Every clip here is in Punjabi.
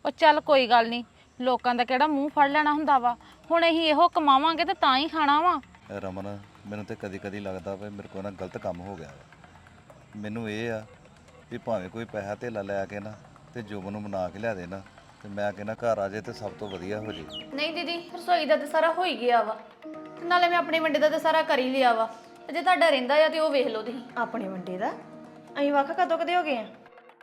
ਉਹ ਚੱਲ ਕੋਈ ਗੱਲ ਨਹੀਂ, ਲੋਕਾਂ ਦਾ ਕਿਹੜਾ ਮੂੰਹ ਫੜ ਲੈਣਾ ਹੁੰਦਾ ਵਾ। ਹੁਣ ਅਸੀਂ ਇਹੋ ਕਮਾਵਾਂਗੇ ਤੇ ਤਾਂ ਹੀ ਖਾਣਾ ਵਾ। ਰਮਨ ਮੈਨੂੰ ਤੇ ਕਦੀ ਕਦੀ ਲੱਗਦਾ ਵਾ ਮੇਰੇ ਕੋਲ ਨਾ ਗਲਤ ਕੰਮ ਹੋ ਗਿਆ ਵਾ। ਮੈਨੂੰ ਇਹ ਆ ਵੀ ਭਾਵੇਂ ਕੋਈ ਪੈਸਾ ਧੇਲਾ ਲੈ ਕੇ ਨਾ ਤੇ ਜੁਗ ਨੂੰ ਮਨਾ ਕੇ ਲਿਆ ਦੇ ਨਾ, ਤੇ ਮੈਂ ਕਹਿੰਦਾ ਘਰ ਆ ਜੇ ਤੇ ਸਭ ਤੋਂ ਵਧੀਆ ਹੋ ਜੇ। ਨਹੀਂ ਦੀਦੀ, ਰਸੋਈ ਦਾ ਤੇ ਸਾਰਾ ਹੋ ਹੀ ਗਿਆ ਵਾ, ਤੇ ਨਾਲੇ ਮੈਂ ਆਪਣੇ ਵੰਡੇ ਦਾ ਤੇ ਸਾਰਾ ਕਰ ਹੀ ਲਿਆ ਵਾ। ਤੇ ਜੇ ਤੁਹਾਡਾ ਰਹਿੰਦਾ ਆ ਤੇ ਉਹ ਵੇਖ ਲਓ ਤੁਸੀਂ। ਆਪਣੇ ਵੰਡੇ ਦਾ ਅਸੀਂ ਵੱਖ ਕਦੋਂ ਕਦੇ ਹੋ ਗਏ ਆ?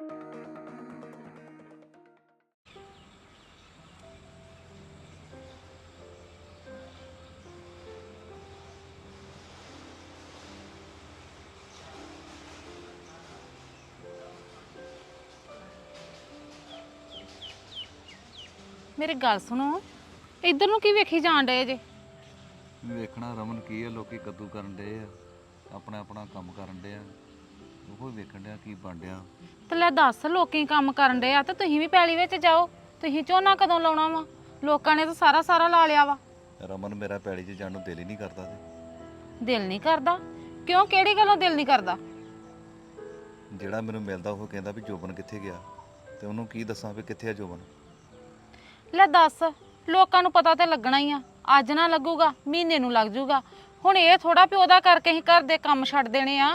ਮੇਰੀ ਗੱਲ ਸੁਣੋ, ਇੱਧਰ ਨੂੰ ਕੀ ਵੇਖੀ ਜਾਣ ਡਏ ਜੇ? ਵੇਖਣਾ ਰਮਨ ਕੀ ਆ, ਲੋਕੀ ਕੱਦੂ ਕਰਨ ਡਏ ਆ, ਆਪਣਾ ਆਪਣਾ ਕੰਮ ਕਰਨ ਡਏ ਆ, ਉਹ ਵੇਖਣ ਡਿਆ ਕੀ ਬਣ ਡਿਆ। ਤੇ ਲੈ ਦੱਸ, ਲੋਕੀ ਕੰਮ ਕਰਨ ਡਏ ਆ ਤੇ ਤੁਸੀਂ ਵੀ ਪੈਲੀ ਵਿੱਚ ਜਾਓ। ਤੁਸੀਂ ਝੋਨਾ ਕਦੋਂ ਲਾਉਣਾ ਵਾ? ਲੋਕਾਂ ਨੇ ਤਾਂ ਸਾਰਾ ਲਾ ਲਿਆ ਵਾ। ਰਮਨ ਮੇਰਾ ਪੈੜੀ 'ਚ ਜਾਣ ਨੂੰ ਦਿਲ ਹੀ ਨਹੀਂ ਕਰਦਾ ਤੇ ਦਿਲ ਨਹੀਂ ਕਰਦਾ? ਕਿਉਂ, ਕਿਹੜੀ ਗੱਲੋਂ ਦਿਲ ਨਹੀਂ ਕਰਦਾ? ਜਿਹੜਾ ਮੈਨੂੰ ਮਿਲਦਾ ਉਹ ਕਹਿੰਦਾ ਵੀ ਜੋਬਨ ਕਿੱਥੇ ਗਿਆ, ਤੇ ਉਹਨੂੰ ਕੀ ਦੱਸਾਂ ਵੀ ਕਿੱਥੇ ਆ ਜੋਬਨ। ਲੈ ਦੱਸ, ਲੋਕਾਂ ਨੂੰ ਪਤਾ ਤੇ ਲੱਗਣਾ ਹੀ ਆ। ਅੱਜ ਨਾ ਲੱਗੂਗਾ, ਮਹੀਨੇ ਨੂੰ ਲੱਗ ਜੂਗਾ। ਹੁਣ ਇਹ ਥੋੜਾ ਵੀ ਉਹਦਾ ਕਰਕੇ ਹੀ ਘਰ ਦੇ ਕੰਮ ਛੱਡ ਦੇਣੇ ਆ।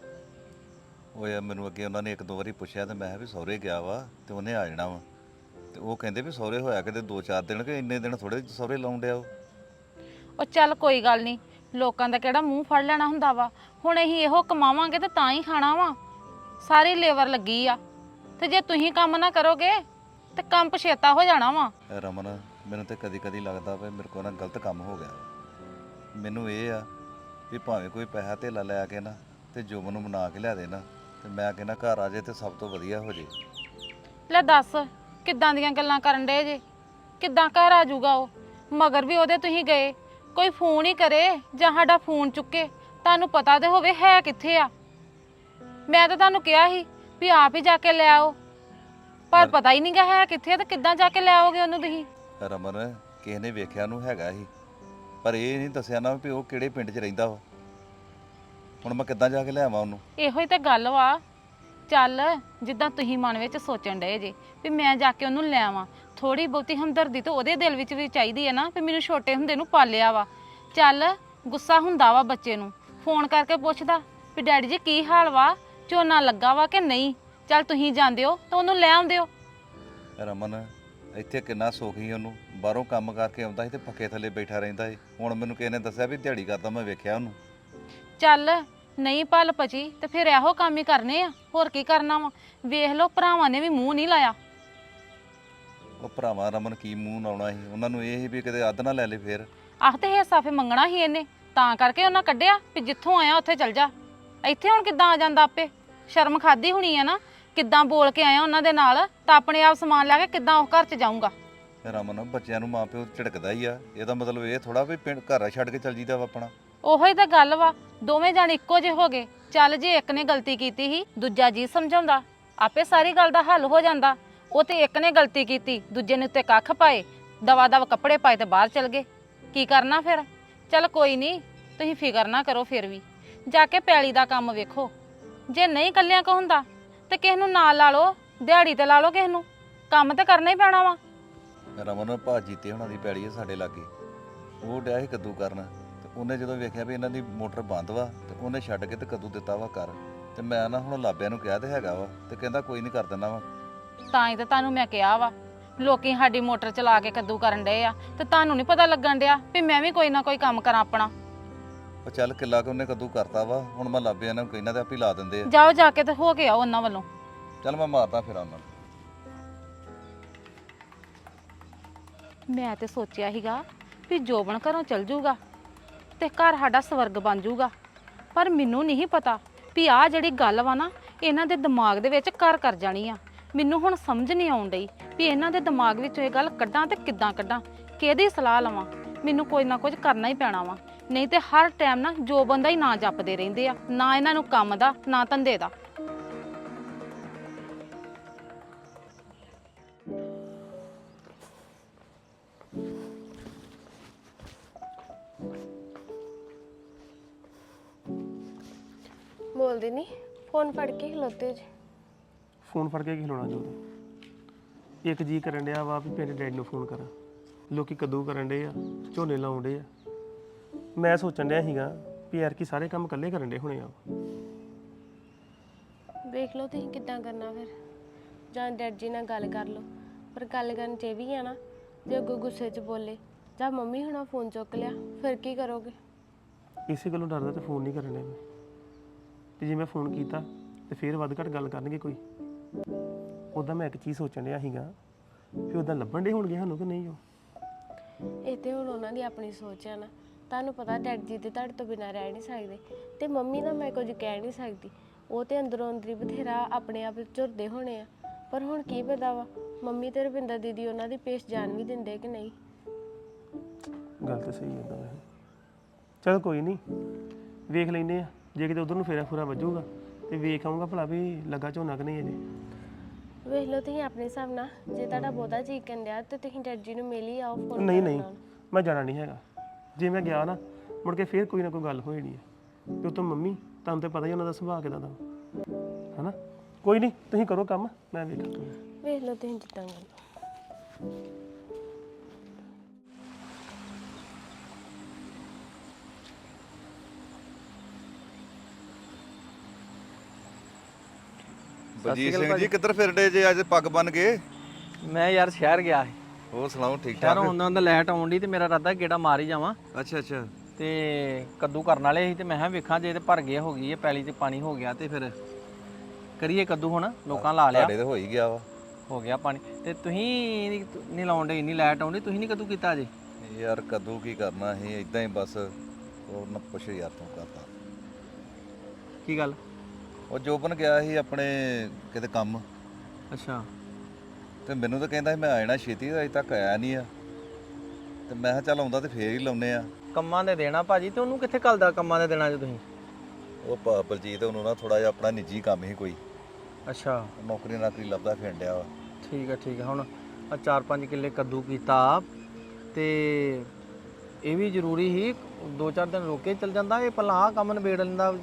ਉਹ ਯਾਰ ਮੈਨੂੰ ਅੱਗੇ ਉਹਨਾਂ ਨੇ ਇੱਕ ਦੋ ਵਾਰੀ ਪੁੱਛਿਆ ਤੇ ਮੈਂ ਕਿਹਾ ਵੀ ਸਹੁਰੇ ਗਿਆ ਵਾ ਤੇ ਉਹਨੇ ਆ ਜਾਣਾ ਵਾ, ਤੇ ਉਹ ਕਹਿੰਦੇ ਵੀ ਸਹੁਰੇ ਹੋਇਆ ਕਿਤੇ 2-4 ਦਿਨ, ਕਿ ਇੰਨੇ ਦਿਨ ਥੋੜੇ ਸਹੁਰੇ ਲਾਉਣ ਡਿਆ ਉਹ ਚੱਲ ਕੋਈ ਗੱਲ ਨਹੀਂ, ਲੋਕਾਂ ਦਾ ਕਿਹੜਾ ਮੂੰਹ ਫੜ ਲੈਣਾ ਹੁੰਦਾ ਵਾ। ਹੁਣ ਅਸੀਂ ਇਹੋ ਕਮਾਵਾਂਗੇ ਤੇ ਤਾਂ ਹੀ ਖਾਣਾ ਵਾ। ਸਾਰੀ ਲੇਬਰ ਲੱਗੀ ਆ, ਤੇ ਜੇ ਤੁਸੀਂ ਕੰਮ ਨਾ ਕਰੋਗੇ ਤੇ ਕੰਮ ਪਛੇਤਾ ਹੋ ਜਾਣਾ ਵਾ। ਰਮਨ ਮੈਨੂੰ ਤੇ ਕਦੀ ਕਦੀ ਲੱਗਦਾ ਵਾ ਮੇਰੇ ਕੋਲ ਨਾ ਗਲਤ ਕੰਮ ਹੋ ਗਿਆ ਵਾ। ਮੈਨੂੰ ਇਹ ਆ ਵੀ ਭਾਵੇਂ ਕੋਈ ਪੈਸਾ ਧੇਲਾ ਲੈ ਕੇ ਨਾ ਤੇ ਜੋਬਨ ਨੂੰ ਮਨਾ ਕੇ ਲਿਆ ਦੇ ਨਾ, ਤੇ ਮੈਂ ਕਹਿੰਦਾ ਘਰ ਆ ਜੇ ਤੇ ਸਭ ਤੋਂ ਵਧੀਆ ਹੋ ਜੇ। ਲੈ ਦੱਸ, ਕਿੱਦਾਂ ਦੀਆਂ ਗੱਲਾਂ ਕਰਨ ਡੇ ਜੇ? ਕਿੱਦਾਂ ਘਰ ਆ ਜਾਊਗਾ ਉਹ? ਮਗਰ ਵੀ ਉਹਦੇ ਤੁਸੀਂ ਗਏ, ਕੋਈ ਫੋਨ ਹੀ ਕਰੇ ਜਾਂ ਸਾਡਾ ਫੋਨ ਚੁੱਕੇ, ਤੁਹਾਨੂੰ ਪਤਾ ਤੇ ਹੋਵੇ ਹੈ ਕਿੱਥੇ ਆ। ਮੈਂ ਤਾਂ ਤੁਹਾਨੂੰ ਕਿਹਾ ਸੀ ਵੀ ਆਪ ਹੀ ਜਾ ਕੇ ਲੈ ਆਓ, ਪਰ ਪਤਾ ਹੀ ਨਹੀਂ ਗਾ ਹੈ ਕਿੱਥੇ, ਤੇ ਕਿੱਦਾਂ ਜਾ ਕੇ ਲੈ ਆਓਗੇ ਉਹਨੂੰ ਤੁਸੀਂ? ਰਮਨ ਕਿਸੇ ਨੇ ਵੇਖਿਆ ਨੂੰ ਹੈਗਾ ਸੀ, ਪਰ ਇਹ ਨਹੀਂ ਦੱਸਿਆ ਨਾ ਵੀ ਉਹ ਕਿਹੜੇ ਪਿੰਡ 'ਚ ਰਹਿੰਦਾ ਵਾ। ਹੁਣ ਮੈਂ ਕਿੱਦਾਂ ਜਾ ਕੇ ਲਿਆਵਾਂ ਉਹਨੂੰ? ਇਹੋ ਹੀ ਤਾਂ ਗੱਲ ਵਾ। ਚੱਲ, ਜਿੱਦਾਂ ਤੁਸੀਂ ਮਨ ਵਿੱਚ ਸੋਚਣ ਡਏ ਜੇ ਵੀ ਮੈਂ ਜਾ ਕੇ ਉਹਨੂੰ ਲੈ ਆਵਾਂ, ਥੋੜੀ ਬਹੁਤੀ ਹਮਦਰਦੀ ਤਾਂ ਉਹਦੇ ਦਿਲ ਵਿੱਚ ਵੀ ਚਾਹੀਦੀ ਹੈ ਨਾ, ਵੀ ਮੈਨੂੰ ਛੋਟੇ ਹੁੰਦੇ ਨੂੰ ਪਾਲਿਆ ਵਾ। ਚੱਲ, ਗੁੱਸਾ ਹੁੰਦਾ ਵਾ ਬੱਚੇ ਨੂੰ, ਫੋਨ ਕਰਕੇ ਪੁੱਛਦਾ ਵੀ ਡੈਡੀ ਜੀ ਕੀ ਹਾਲ ਵਾ, ਝੋਨਾ ਲੱਗਾ ਵਾ ਕਿ ਨਹੀਂ। ਚੱਲ ਤੁਸੀਂ ਜਾਂਦੇ ਹੋ ਤਾਂ ਉਹਨੂੰ ਲੈ ਆਉਂਦੇ ਹੋ। ਰਮਨ ਇੱਥੇ ਕਿੰਨਾ ਸੁੱਖ ਸੀ ਉਹਨੂੰ, ਬਾਹਰੋਂ ਕੰਮ ਕਰਕੇ ਆਉਂਦਾ ਸੀ ਤੇ ਪੱਖੇ ਥੱਲੇ ਬੈਠਾ ਰਹਿੰਦਾ ਸੀ। ਹੁਣ ਮੈਨੂੰ ਕਿਸੇ ਨੇ ਦੱਸਿਆ ਵੀ ਦਿਹਾੜੀ ਕਰਦਾ, ਮੈਂ ਵੇਖਿਆ ਉਹਨੂੰ। ਚੱਲ, ਨਹੀਂ ਭਲ ਪਚੀ ਤੇ ਫਿਰ ਇਹੋ ਕੰਮ ਹੀ ਕਰਨੇ ਆ, ਹੋਰ ਕੀ ਕਰਨਾ ਵਾ। ਵੇਖ ਲਓ, ਭਰਾਵਾਂ ਨੇ ਵੀ ਮੂੰਹ ਨਹੀਂ ਲਾਇਆ। ਉਹ ਭਰਾਵਾਂ ਰਮਨ ਕੀ ਮੂੰਹ ਲਾਉਣਾ ਸੀ, ਉਹਨਾਂ ਨੂੰ ਇਹ ਸੀ ਵੀ ਕਿਤੇ ਅੱਧ ਨਾ ਲੈ ਲੇ ਫੇਰ। ਆਹ ਤੇ ਹਿੱਸਾ ਫੇ ਮੰਗਣਾ ਸੀ ਇਹਨੇ, ਤਾਂ ਕਰਕੇ ਉਹਨਾਂ ਕੱਢਿਆ ਵੀ ਜਿੱਥੋਂ ਆਇਆ ਉੱਥੇ ਚੱਲ ਜਾ। ਇੱਥੇ ਹੁਣ ਕਿੱਦਾਂ ਆ ਜਾਂਦਾ ਆਪੇ? ਸ਼ਰਮ ਖਾਦੀ ਹੋਣੀ ਆ ਨਾ, ਕਿੱਦਾਂ ਬੋਲ ਕੇ ਆਇਆ ਉਹਨਾਂ ਦੇ ਨਾਲ, ਤਾਂ ਆਪਣੇ ਆਪ ਸਮਾਨ ਲੈ ਕੇ ਕਿੱਦਾਂ ਉਹ ਘਰ 'ਚ ਜਾਊਂਗਾ। ਰਮਨ ਬੱਚਿਆਂ ਨੂੰ ਮਾਂ ਪਿਓ ਝਿੜਕਦਾ ਹੀ ਆ, ਇਹਦਾ ਮਤਲਬ ਇਹ ਥੋੜਾ ਵੀ ਪਿੰਡ ਘਰ ਛੱਡ ਕੇ ਚੱਲ ਜੀਦਾ ਵਾ ਆਪਣਾ। ਉਹੋ ਹੀ ਤਾਂ ਗੱਲ ਵਾ, ਦੋਵੇਂ ਜਾਣੇ ਇੱਕੋ ਜਿਹੇ ਹੋ ਗਏ। ਚੱਲ, ਜੇ ਇੱਕ ਨੇ ਗਲਤੀ ਕੀਤੀ ਸੀ, ਦੂਜਾ ਜੀ ਸਮਝਾਉਂਦਾ, ਆਪੇ ਸਾਰੀ ਗੱਲ ਦਾ ਹੱਲ ਹੋ ਜਾਂਦਾ। ਉਹ ਤੇ ਇੱਕ ਨੇ ਗਲਤੀ ਕੀਤੀ, ਦੂਜੇ ਨੇ ਉੱਤੇ ਕੱਖ ਪਾਏ, ਦਵਾ ਦਵ ਕੱਪੜੇ ਪਾਏ ਤੇ ਬਾਹਰ ਚਲ ਗਏ। ਕੀ ਕਰਨਾ ਫਿਰ? ਚੱਲ ਕੋਈ ਨਹੀਂ, ਤੁਸੀਂ ਫਿਕਰ ਨਾ ਕਰੋ। ਫਿਰ ਵੀ ਜਾ ਕੇ ਪੈਲੀ ਦਾ ਕੰਮ ਵੇਖੋ। ਜੇ ਨਹੀਂ ਕੱਲਿਆਂ ਕੋ ਹੁੰਦਾ ਤੇ ਕਿਸੇ ਨੂੰ ਨਾਲ ਲਾ ਲਓ, ਦਿਹਾੜੀ ਤੇ ਲਾ ਲਓ ਕਿਸੇ ਨੂੰ, ਕੰਮ ਤੇ ਕਰਨਾ ਹੀ ਪੈਣਾ ਵਾ। ਰਮਨ ਭਾਜੀ ਤੇ ਉਹਨਾਂ ਦੀ ਪੈੜੀ ਆ ਸਾਡੇ ਲਾਗੇ, ਉਹ ਡਿਆ ਸੀ ਕੱਦੂ ਕਰਨ, ਤੇ ਉਹਨੇ ਜਦੋਂ ਵੇਖਿਆ ਵੀ ਇਹਨਾਂ ਦੀ ਮੋਟਰ ਬੰਦ ਵਾ ਤੇ ਉਹਨੇ ਛੱਡ ਕੇ ਤੇ ਕੱਦੂ ਦਿੱਤਾ ਵਾ ਕਰ। ਤੇ ਮੈਂ ਨਾ ਹੁਣ ਲਾਬਿਆਂ ਨੂੰ ਕਿਹਾ ਤੇ ਹੈਗਾ ਵਾ, ਤੇ ਕਹਿੰਦਾ ਕੋਈ ਨਹੀਂ ਕਰ ਦਿੰਦਾ ਵਾ। ਤਾਂ ਹੀ ਤਾਂ ਤੁਹਾਨੂੰ ਮੈਂ ਕਿਹਾ ਵਾ, ਲੋਕੀ ਸਾਡੀ ਮੋਟਰ ਚਲਾ ਕੇ ਕੱਦੂ ਕਰਨ ਡਏ ਆ, ਤੇ ਤੁਹਾਨੂੰ ਨਹੀਂ ਪਤਾ ਲੱਗਣ ਡਿਆ ਵੀ ਮੈਂ ਵੀ ਕੋਈ ਨਾ ਕੋਈ ਕੰਮ ਕਰਾਂ ਆਪਣਾ। ਉਹ ਚੱਲ ਕਿੱਲਾ ਕਿ ਉਹਨੇ ਕੱਦੂ ਕਰਤਾ ਵਾ, ਹੁਣ ਮੈਂ ਲਾਬਿਆਂ ਨੂੰ ਕਹਿੰਦਾ ਤੇ ਆਪੇ ਲਾ ਦਿੰਦੇ ਆ। ਜਾਓ, ਜਾ ਕੇ ਤੇ ਹੋ ਕੇ ਆਓ ਉਹਨਾਂ ਵੱਲੋਂ। ਚੱਲ ਮੈਂ ਮਾਰਦਾ ਫਿਰ ਉਹਨਾਂ ਨੂੰ। ਮੈਂ ਤੇ ਸੋਚਿਆ ਸੀਗਾ ਵੀ ਜੋਬਨ ਘਰੋਂ ਚਲ ਜੂਗਾ ਤੇ ਘਰ ਸਾਡਾ ਸਵਰਗ ਬਣ ਜੂਗਾ, ਪਰ ਮੈਨੂੰ ਨਹੀਂ ਪਤਾ ਵੀ ਆਹ ਜਿਹੜੀ ਗੱਲ ਵਾ ਨਾ, ਇਹਨਾਂ ਦੇ ਦਿਮਾਗ ਦੇ ਵਿੱਚ ਘਰ ਕਰ ਜਾਣੀ ਆ। ਮੈਨੂੰ ਹੁਣ ਸਮਝ ਨਹੀਂ ਆਉਣ ਡਈ ਵੀ ਇਹਨਾਂ ਦੇ ਦਿਮਾਗ ਵਿੱਚੋਂ ਇਹ ਗੱਲ ਕੱਢਾਂ ਤੇ ਕਿੱਦਾਂ ਕੱਢਾਂ, ਕਿਹਦੀ ਸਲਾਹ ਲਵਾਂ। ਮੈਨੂੰ ਕੋਈ ਨਾ ਕੁਝ ਕਰਨਾ ਹੀ ਪੈਣਾ ਵਾ, ਨਹੀਂ ਤੇ ਹਰ ਟਾਈਮ ਨਾ ਜੋਬਨ ਦਾ ਹੀ ਨਾਂ ਜਪਦੇ ਰਹਿੰਦੇ ਆ, ਨਾ ਇਹਨਾਂ ਨੂੰ ਕੰਮ ਦਾ ਨਾ ਧੰਦੇ ਦਾ। ਬੋਲਦੇ ਨਹੀਂ, ਫੋਨ ਫੜ ਕੇ ਖਲੋਤੇ ਜੇ। ਫੋਨ ਫੜ ਕੇ ਕੀ ਖਲੋਣਾ ਜੋ? ਇੱਕ ਜੀ ਕਰਨ ਡਿਆ ਵਾ ਵੀ ਮੇਰੇ ਡੈਡੀ ਨੂੰ ਫੋਨ ਕਰਾਂ। ਲੋਕੀ ਕਦੋਂ ਕਰਨ ਡੇ ਆ, ਝੋਨੇ ਲਾਉਣ ਡੇ ਆ। ਮੈਂ ਸੋਚਣ ਡਿਆ ਸੀਗਾ ਵੀ ਯਾਰ ਕੀ ਸਾਰੇ ਕੰਮ ਇਕੱਲੇ ਕਰਨ ਡੇ ਹੋਣੇ ਆ। ਵੇਖ ਲਓ ਤੁਸੀਂ ਕਿੱਦਾਂ ਕਰਨਾ ਫਿਰ, ਜਾਂ ਡੈਡ ਜੀ ਨਾਲ ਗੱਲ ਕਰ ਲਓ। ਪਰ ਗੱਲ ਕਰਨ 'ਚ ਇਹ ਵੀ ਆ ਨਾ, ਜੇ ਅੱਗੋਂ ਗੁੱਸੇ 'ਚ ਬੋਲੇ ਜਾਂ ਮੰਮੀ ਹੁਣਾਂ ਫੋਨ ਚੁੱਕ ਲਿਆ ਫਿਰ ਕੀ ਕਰੋਗੇ? ਇਸੇ ਗੱਲੋਂ ਡਰਦਾ ਤੇ ਫੋਨ ਨਹੀਂ ਕਰਨ ਡਿਆ ਮੈਂ। ਤੇ ਜੇ ਮੈਂ ਫੋਨ ਕੀਤਾ ਤੇ ਫਿਰ ਵੱਧ ਘੱਟ ਗੱਲ ਕਰਨਗੇ ਕੋਈ। ਉੱਦਾਂ ਮੈਂ ਇੱਕ ਚੀਜ਼ ਸੋਚਣ ਡਿਆ ਸੀਗਾ ਵੀ ਉੱਦਾਂ ਲੱਭਣ ਡੇ ਹੋਣਗੇ ਸਾਨੂੰ ਕਿ ਨਹੀਂ ਉਹ। ਇਹ ਤੇ ਹੁਣ ਉਹਨਾਂ ਦੀ ਆਪਣੀ ਸੋਚ ਆ ਨਾ। ਤੁਹਾਨੂੰ ਪਤਾ ਡੈਡ ਜੀ ਤੇ ਤੁਹਾਡੇ ਤੋਂ ਬਿਨਾਂ ਰਹਿ ਨਹੀਂ ਸਕਦੇ, ਤੇ ਮੰਮੀ ਦਾ ਮੈਂ ਕੁਝ ਕਹਿ ਨਹੀਂ ਸਕਦੀ। ਉਹ ਤੇ ਅੰਦਰੋਂ ਅੰਦਰੀ ਬਥੇਰਾ ਆਪਣੇ ਆਪ ਝੁਰਦੇ ਹੋਣੇ ਆ। ਪਰ ਹੁਣ ਕੀ ਪਤਾ ਵਾ ਮੰਮੀ ਤੇ ਰਵਿੰਦਰ ਦੀਦੀ ਉਹਨਾਂ ਦੀ ਪੇਸ਼ ਜਾਣ ਵੀ ਦਿੰਦੇ ਕਿ ਨਹੀਂ। ਗੱਲ ਤਾਂ ਸਹੀ ਹੈ ਵੈਸੇ। ਚਲ ਕੋਈ ਨਹੀਂ, ਵੇਖ ਲੈਂਦੇ ਆ। ਜੇ ਕਿਤੇ ਉਧਰ ਨੂੰ ਫੇਰਾ ਫੂਰਾ ਵੱਜੂਗਾ ਤੇ ਵੇਖ ਆਊਂਗਾ ਭਲਾ ਵੀ ਲੱਗਾ ਝੋਨਾ ਕਿ ਨਹੀਂ ਅਜੇ। ਵੇਖ ਲਓ ਤੁਸੀਂ ਆਪਣੇ ਹਿਸਾਬ ਨਾਲ, ਜੇ ਤੁਹਾਡਾ ਬਹੁਤਾ ਚੀਕਣ ਡਿਆ ਤੇ ਤੁਸੀਂ ਡੈਡ ਜੀ ਨੂੰ ਮਿਲ ਹੀ ਆਓ ਫੋਨ ਨਹੀਂ ਨਹੀਂ, ਮੈਂ ਜਾਣਾ ਨਹੀਂ ਹੈਗਾ। ਜੇ ਮੈਂ ਗਿਆ ਨਾ ਮੁੜ ਕੇ ਫੇਰ ਕੋਈ ਨਾ ਕੋਈ ਗੱਲ ਹੋ ਜਾਣੀ ਹੈ। ਤੇ ਉਤੋਂ ਮੰਮੀ ਤੁਹਾਨੂੰ ਤਾਂ ਪਤਾ ਹੀ ਉਹਨਾਂ ਦਾ ਸੁਭਾਅ ਕਿਦਾਂ ਦਾ ਹੈ ਨਾ। ਕੋਈ ਨਹੀਂ, ਤੁਸੀਂ ਕਰੋ ਕੰਮ, ਮੈਂ ਵੇਖਾਂ। ਵੇਖ ਲਓ ਤੁਸੀਂ ਜਿੱਦਾਂ ਕਰਨਾ। ਬਲਜੀਤ ਸਿੰਘ ਜੀ ਕਿੱਧਰ ਫਿਰਦੇ ਜੇ ਅੱਜ ਪੱਗ ਬੰਨ ਕੇ? ਮੈਂ ਯਾਰ ਸ਼ਹਿਰ ਗਿਆ ਸੀ। ਹੋਰ ਸੁਣਾਓ, ਠੀਕ ਠਾਕ? ਸ਼ਹਿਰੋਂ ਆਉਂਦਾ ਹੁੰਦਾ ਲਾਈਟ ਆਉਣ ਦੀ ਤੇ ਮੇਰਾ ਇਰਾਦਾ ਗੇੜਾ ਮਾਰ ਹੀ ਜਾਵਾਂ। ਅੱਛਾ ਅੱਛਾ। ਤੇ ਕੱਦੂ ਕਰਨ ਵਾਲੇ ਸੀ ਤੇ ਮੈਂ ਕਿਹਾ ਵੇਖਾਂ ਜੇ ਤੇ ਭਰ ਗਏ ਹੋ ਗਈ ਹੈ ਪੈਲੀ ਤੇ ਪਾਣੀ ਹੋ ਗਿਆ ਤੇ ਫਿਰ ਕਰੀਏ ਕੱਦੂ। ਹੁਣ ਲੋਕਾਂ ਲਾ ਲਿਆ, ਤੁਹਾਡੇ ਤੇ ਹੋ ਹੀ ਗਿਆ ਵਾ। ਹੋ ਗਿਆ ਪਾਣੀ। ਤੇ ਤੁਸੀਂ ਨਹੀਂ ਲਾਉਣ ਦੇ, ਇੰਨੀ ਲਾਈਟ ਆਉਂਦੀ, ਤੁਸੀਂ ਨਹੀਂ ਕੱਦੂ ਕੀਤਾ ਅਜੇ? ਯਾਰ ਕਦੋਂ ਕੀ ਕਰਨਾ ਸੀ, ਇਦਾਂ ਹੀ ਬਸ। ਹੋਰ ਨਾ ਪੁੱਛ ਯਾਰ, ਤੂੰ ਕਰਦਾ ਕੀ ਗੱਲ? ਉਹ ਜੋਬਨ ਗਿਆ ਸੀ ਆਪਣੇ ਕਿਤੇ ਕੰਮ, ਅੱਛਾ। ਤੇ ਮੈਨੂੰ ਤਾਂ ਕਹਿੰਦਾ ਸੀ ਮੈਂ ਆ ਜਾਣਾ ਛੇਤੀ, ਅਜੇ ਤੱਕ ਆਇਆ ਨਹੀਂ ਆ। ਤੇ ਮੈਂ ਕਿਹਾ ਚੱਲ ਆਉਂਦਾ ਤੇ ਫੇਰ ਹੀ ਲਾਉਨੇ ਆ। ਕੰਮਾਂ ਦੇ ਦੇਣਾ ਭਾਜੀ, ਤੇ ਉਹਨੂੰ ਕਿੱਥੇ ਘੱਲਦਾ ਕੰਮਾਂ ਦੇ ਦੇਣਾ 'ਚ ਤੁਸੀਂ? ਉਹ ਬਲਜੀਤ ਉਹਨੂੰ ਨਾ ਥੋੜਾ ਜਿਹਾ ਆਪਣਾ ਨਿੱਜੀ ਕੰਮ ਸੀ ਕੋਈ, ਅੱਛਾ ਨੌਕਰੀ ਨਾਕਰੀ ਲੱਭਦਾ ਫਿਰਨ ਡਿਆ ਵਾ। ਠੀਕ ਹੈ ਠੀਕ ਹੈ। ਹੁਣ ਆ 4-5 ਕਿੱਲੇ ਕੱਦੂ ਕੀਤਾ ਤੇ ਇਹ ਵੀ ਜ਼ਰੂਰੀ ਸੀ, 2-4 ਦਿਨ ਰੁਕ ਕੇ ਚੱਲ ਜਾਂਦਾ। ਇਹ ਪਹਿਲਾਂ ਆਹ ਕੰਮ ਨਿਬੇੜ ਲੈਂਦਾ।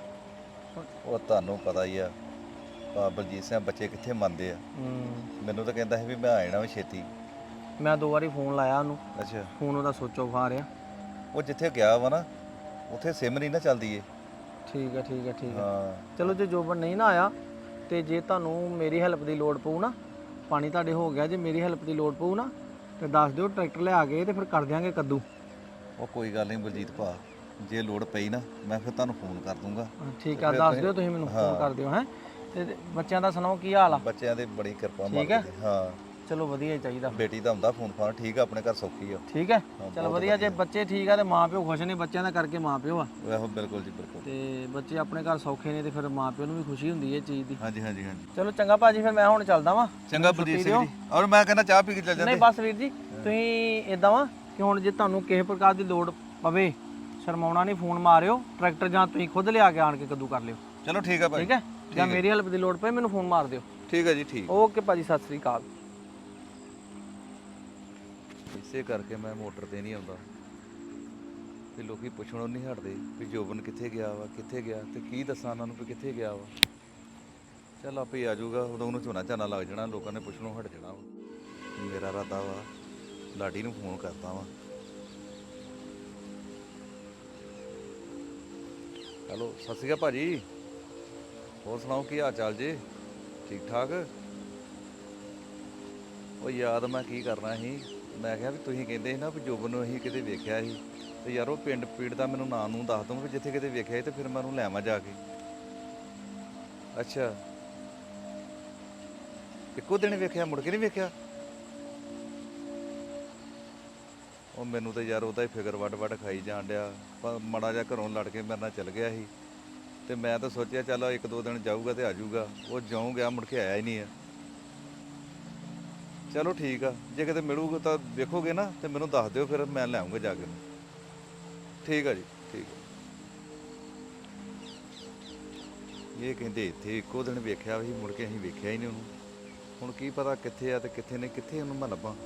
ਉਹ ਤੁਹਾਨੂੰ ਪਤਾ ਹੀ ਆ ਬਲਜੀਤ ਸਿੰਘ, ਬੱਚੇ ਕਿੱਥੇ ਮੰਨਦੇ ਆ। ਮੈਨੂੰ ਤਾਂ ਕਹਿੰਦਾ ਸੀ ਵੀ ਮੈਂ ਆ ਜਾਣਾ ਵਾ ਛੇਤੀ। ਮੈਂ 2 ਵਾਰੀ ਫੋਨ ਲਾਇਆ ਉਹਨੂੰ, ਅੱਛਾ। ਫੋਨ ਉਹਦਾ ਸੁੱਚ ਆਫ ਆ ਰਿਹਾ। ਉਹ ਜਿੱਥੇ ਗਿਆ ਵਾ ਨਾ ਉੱਥੇ ਸਿਮ ਨਹੀਂ ਨਾ ਚੱਲਦੀ ਏ। ਠੀਕ ਹੈ ਠੀਕ ਹੈ ਠੀਕ ਹੈ। ਹਾਂ ਚਲੋ ਜੇ ਜੋਬਨ ਨਹੀਂ ਨਾ ਆਇਆ ਤੇ ਜੇ ਤੁਹਾਨੂੰ ਮੇਰੀ ਹੈਲਪ ਦੀ ਲੋੜ ਪਊ ਨਾ, ਪਾਣੀ ਤੁਹਾਡੇ ਹੋ ਗਿਆ, ਜੇ ਮੇਰੀ ਹੈਲਪ ਦੀ ਲੋੜ ਪਊ ਨਾ ਤੇ ਦੱਸ ਦਿਓ, ਟਰੈਕਟਰ ਲਿਆ ਕੇ ਤੇ ਫਿਰ ਕਰ ਦਿਆਂਗੇ ਕੱਦੂ। ਉਹ ਕੋਈ ਗੱਲ ਨਹੀਂ ਬਲਜੀਤ ਭਾ, ਜੇ ਲੋੜ ਪਈ ਨਾ ਮੈਂ ਫਿਰ ਤੁਹਾਨੂੰ ਫੋਨ ਕਰ ਦੂੰਗਾ। ਠੀਕ ਆ, ਦੱਸ ਦਿਓ ਤੁਸੀਂ ਮੈਨੂੰ, ਫੋਨ ਕਰ ਦਿਓ। ਹੈ ਤੇ ਬੱਚਿਆਂ ਦਾ ਸੁਣਾਓ ਕੀ ਹਾਲ ਆ? ਬੱਚਿਆਂ ਦੀ ਬੜੀ ਕਿਰਪਾ ਠੀਕ ਹੈ? ਮਾਲਕ ਦੀ। ਹਾਂ ਚਲੋ ਵਧੀਆ ਹੀ ਚਾਹੀਦਾ। ਬੇਟੀ ਦਾ ਹੁੰਦਾ ਫੋਨ ਫਾਨ, ਠੀਕ ਆ, ਆਪਣੇ ਘਰ ਸੌਖੀ ਆ। ਠੀਕ ਹੈ, ਚਲੋ ਵਧੀਆ। ਜੇ ਬੱਚੇ ਠੀਕ ਆ ਤੇ ਮਾਂ ਪਿਓ ਖੁਸ਼ ਨੇ, ਬੱਚਿਆਂ ਦਾ ਕਰਕੇ ਮਾਂ ਪਿਓ ਆ। ਆਹੋ ਬਿਲਕੁਲ ਜੀ ਬਿਲਕੁਲ। ਤੇ ਬੱਚੇ ਆਪਣੇ ਘਰ ਸੌਖੇ ਨੇ ਤੇ ਫਿਰ ਮਾਂ ਪਿਓ ਨੂੰ ਵੀ ਖੁਸ਼ੀ ਹੁੰਦੀ ਹੈ ਇਹ ਚੀਜ਼ ਦੀ। ਹਾਂਜੀ ਹਾਂਜੀ ਹਾਂਜੀ। ਚਲੋ ਚੰਗਾ ਭਾਜੀ, ਫਿਰ ਮੈਂ ਹੁਣ ਚੱਲਦਾ ਵਾਂ। ਚੰਗਾ ਬਲਜੀਤ ਸਿੰਘ ਜੀ। ਔਰ ਮੈਂ ਕਹਿੰਦਾ ਚਾਹ ਪੀ ਕੇ ਚੱਲ ਜਾਂਦੇ। ਨਹੀਂ ਬਸ ਵੀਰ ਜੀ, ਤੁਸੀਂ ਇਦਾਂ ਵਾ ਕਿ ਹੁਣ ਜੇ ਤੁਹਾਨੂੰ ਕਿਸੇ ਪ੍ਰਕਾਰ ਦੀ ਲੋੜ ਪਵੇ, ਸ਼ਰਮਾਉਣਾ ਨਹੀਂ, ਫੋਨ ਮਾਰਿਓ। ਟਰੈਕਟਰ ਜਾਂ ਤੁਸੀਂ ਖੁਦ ਲਿਆ ਕੇ ਆਣ ਕੇ ਕੱਦੂ ਕਰ ਲਿਓ। ਚਲੋ ਠੀਕ ਆ ਭਾਈ। ਠੀਕ ਹੈ, ਜਾਂ ਮੇਰੀ ਹੈਲਪ ਦੀ ਲੋੜ ਪਏ ਮੈਨੂੰ ਫੋਨ ਮਾਰ ਦਿਓ। ਠੀਕ ਹੈ ਜੀ ਠੀਕ। ਓਕੇ ਭਾਜੀ, ਸਤਿ ਸ੍ਰੀ ਅਕਾਲ। ਇਸੇ ਕਰਕੇ ਮੈਂ ਮੋਟਰ ਤੇ ਨਹੀਂ ਆਉਂਦਾ ਵੀ ਲੋਕੀ ਪੁੱਛਣੋਂ ਨਹੀਂ ਹਟਦੇ ਵੀ ਜੋਬਨ ਕਿੱਥੇ ਗਿਆ ਵਾ, ਕਿੱਥੇ ਗਿਆ, ਤੇ ਕੀ ਦੱਸਾਂ ਉਹਨਾਂ ਨੂੰ ਵੀ ਕਿੱਥੇ ਗਿਆ ਵਾ। ਚੱਲ ਆਪੇ ਆ ਜਾਊਗਾ, ਉਦੋਂ ਉਹਨੂੰ ਝੋਨਾ ਝਾਨਾ ਲੱਗ ਜਾਣਾ, ਲੋਕਾਂ ਨੇ ਪੁੱਛਣੋਂ ਹਟ ਜਾਣਾ ਵਾ। ਮੇਰਾ ਇਰਾਦਾ ਵਾ ਲਾਡੀ ਨੂੰ ਫੋਨ ਕਰਦਾ ਵਾ। ਹੈਲੋ, ਸਤਿ ਸ਼੍ਰੀ ਅਕਾਲ ਭਾਜੀ। ਹੋਰ ਸੁਣਾਓ ਕੀ ਹਾਲ ਚਾਲ ਜੀ? ਠੀਕ ਠਾਕ? ਉਹ ਯਾਦ ਮੈਂ ਕੀ ਕਰਨਾ ਸੀ, ਮੈਂ ਕਿਹਾ ਵੀ ਤੁਸੀਂ ਕਹਿੰਦੇ ਸੀ ਨਾ ਵੀ ਜੋਬਨ ਨੂੰ ਅਸੀਂ ਕਿਤੇ ਵੇਖਿਆ ਸੀ, ਤੇ ਯਾਰ ਉਹ ਪਿੰਡ ਪੀੜ ਦਾ ਮੈਨੂੰ ਨਾਂ ਨੂੰ ਦੱਸ ਦੂੰ ਵੀ ਜਿੱਥੇ ਕਿਤੇ ਵੇਖਿਆ ਸੀ, ਤੇ ਫਿਰ ਮੈਂ ਉਹਨੂੰ ਲੈ ਆਵਾਂ ਜਾ ਕੇ। ਅੱਛਾ, ਇੱਕੋ ਦਿਨ ਵੇਖਿਆ, ਮੁੜ ਕੇ ਨਹੀਂ ਵੇਖਿਆ? ਉਹ ਮੈਨੂੰ ਤਾਂ ਯਾਰ ਉਹਦਾ ਹੀ ਫਿਕਰ ਵੱਡ ਵੱਡ ਖਾਈ ਜਾਣ ਡਿਆ। ਪਰ ਮਾੜਾ ਜਿਹਾ ਘਰੋਂ ਲੜ ਕੇ ਮੇਰੇ ਨਾਲ ਚੱਲ ਗਿਆ ਸੀ, ਤੇ ਮੈਂ ਤਾਂ ਸੋਚਿਆ ਚੱਲ 1-2 ਦਿਨ ਜਾਊਗਾ ਤੇ ਆ ਜਾਊਗਾ। ਉਹ ਜਿਉਂ ਗਿਆ ਮੁੜ ਕੇ ਆਇਆ ਹੀ ਨਹੀਂ ਆ। ਚਲੋ ਠੀਕ ਆ, ਜੇ ਕਿਤੇ ਮਿਲੂਗਾ ਤਾਂ ਵੇਖੋਗੇ ਨਾ ਤੇ ਮੈਨੂੰ ਦੱਸ ਦਿਓ, ਫਿਰ ਮੈਂ ਲੈ ਆਉਂਗਾ ਜਾ ਕੇ। ਠੀਕ ਆ ਜੀ, ਠੀਕ ਆ। ਇਹ ਕਹਿੰਦੇ ਇੱਥੇ ਇੱਕੋ ਦਿਨ ਵੇਖਿਆ ਸੀ, ਮੁੜ ਕੇ ਅਸੀਂ ਵੇਖਿਆ ਹੀ ਨਹੀਂ ਉਹਨੂੰ। ਹੁਣ ਕੀ ਪਤਾ ਕਿੱਥੇ ਆ ਤੇ ਕਿੱਥੇ ਨਹੀਂ, ਕਿੱਥੇ ਉਹਨੂੰ ਮੈਂ ਲੱਭਾਂ।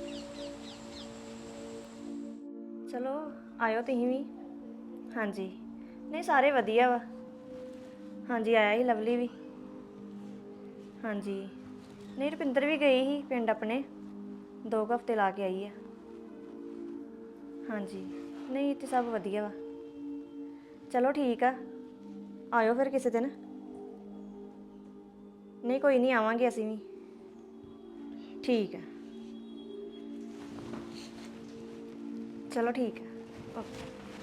ਚਲੋ ਆਇਓ ਤੁਸੀਂ ਵੀ। ਹਾਂਜੀ ਨਹੀਂ, ਸਾਰੇ ਵਧੀਆ ਵਾ। ਹਾਂਜੀ ਆਇਆ ਸੀ ਲਵਲੀ ਵੀ। ਹਾਂਜੀ ਨਹੀਂ ਰੁਪਿੰਦਰ ਵੀ ਗਈ ਸੀ ਪਿੰਡ ਆਪਣੇ 2 ਹਫ਼ਤੇ ਲਾ ਕੇ ਆਈ ਆ। ਹਾਂਜੀ ਨਹੀਂ ਇੱਥੇ ਸਭ ਵਧੀਆ ਵਾ। ਚਲੋ ਠੀਕ ਆ, ਆਇਓ ਫਿਰ ਕਿਸੇ ਦਿਨ। ਨਹੀਂ ਕੋਈ ਨਹੀਂ, ਆਵਾਂਗੇ ਅਸੀਂ ਵੀ। ਠੀਕ ਆ, ਚਲੋ ਠੀਕ ਆ, ਓਕੇ।